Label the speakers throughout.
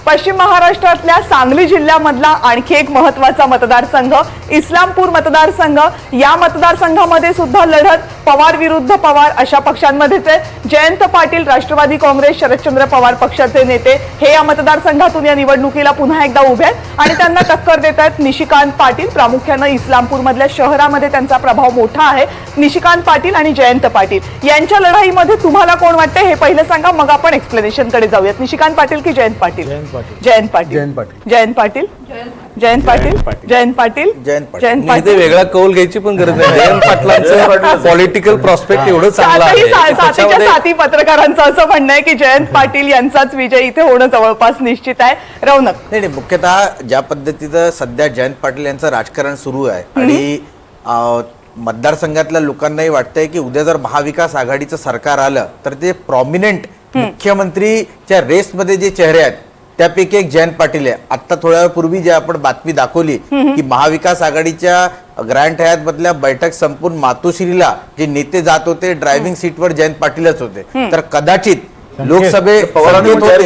Speaker 1: पश्चिम महाराष्ट्रातल्या सांगली जिल्ह्यामधला आणखी एक महत्त्वाचा मतदारसंघ इस्लामपूर मतदारसंघ। या मतदारसंघामध्ये सुद्धा लढत पवार विरुद्ध पवार अशा पक्षांमध्येच आहे। जयंत पाटील राष्ट्रवादी काँग्रेस शरदचंद्र पवार पक्षाचे नेते हे या मतदारसंघातून या निवडणुकीला पुन्हा एकदा उभे आहेत आणि त्यांना टक्कर देत आहेत निशिकांत पाटील। प्रामुख्याने इस्लामपूर मधल्या शहरामध्ये त्यांचा प्रभाव मोठा आहे। निशिकांत पाटील आणि जयंत पाटील यांच्या लढाईमध्ये तुम्हाला कोण वाटते हे पहिले सांगा, मग आपण एक्सप्लेनेशन कडे जाऊयात। निशिकांत पाटील की जयंत पाटील? जयंत पाटील जयंत पाटील जयंत पाटील जयंत पाटील जयंत पाटील
Speaker 2: वेगळा कौल घ्यायची पण गरज नाही। जयंत पाटलांचं पॉलिटिकल प्रॉस्पेक्ट एवढं चांगलं आहे।
Speaker 1: साथीच्या साथी पत्रकारांचं असं म्हणणं आहे की जयंत पाटील यांचाच विजय इथे होणं जवळपास निश्चित आहे। रौनक
Speaker 3: नाही, मुख्यतः ज्या पद्धतीचं सध्या जयंत पाटील यांचं राजकारण सुरू आहे आणि मतदारसंघातल्या लोकांनाही वाटतंय की उद्या जर महाविकास आघाडीचं सरकार आलं तर ते प्रॉमिनंट मुख्यमंत्रीच्या रेसमध्ये जे चेहरे आहेत त्यापैकी एक जयंत पाटील आहे। आता थोड्या वेळापूर्वी जे आपण बातमी दाखवली की महाविकास आघाडीच्या ग्रँड हयात मधल्या बैठक संपून मातोश्रीला जे नेते जात होते ड्रायव्हिंग सीटवर जयंत पाटीलच होते। तर कदाचित लोकसभे
Speaker 1: पवारांनी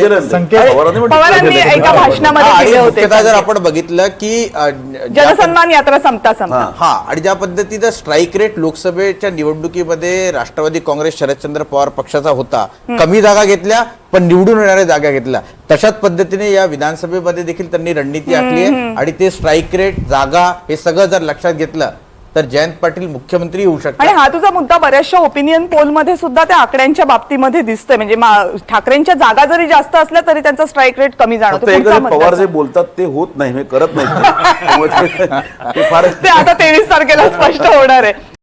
Speaker 1: एका भाषणामध्ये केले होते।
Speaker 3: जर आपण बघितलं की
Speaker 1: जनसन्मान यात्रा संपता
Speaker 3: हा आणि ज्या पद्धतीचा स्ट्राईक रेट लोकसभेच्या निवडणुकीमध्ये राष्ट्रवादी काँग्रेस शरदचंद्र पवार पक्षाचा होता, कमी जागा घेतल्या पण निवडून येणाऱ्या जागा घेतल्या, तशाच पद्धतीने या विधानसभेमध्ये देखील त्यांनी रणनीती आखली आहे आणि ते स्ट्राईक रेट जागा हे सगळं जर लक्षात घेतलं तर जयंत पाटील मुख्यमंत्री होऊ शकतात।
Speaker 1: आणि हा तुझा मुद्दा बऱ्याचशा ओपिनियन पोल मध्ये सुद्धा त्या आकड्यांच्या बाबतीमध्ये दिसतोय। म्हणजे ठाकरेंच्या जागा जरी जास्त असल्या तरी त्यांचा स्ट्राईक रेट कमी जाणवतो।
Speaker 4: पवार जे बोलतात ते होत नाही, करत नाही
Speaker 1: ते आता 23 तारखेला स्पष्ट होणार आहे।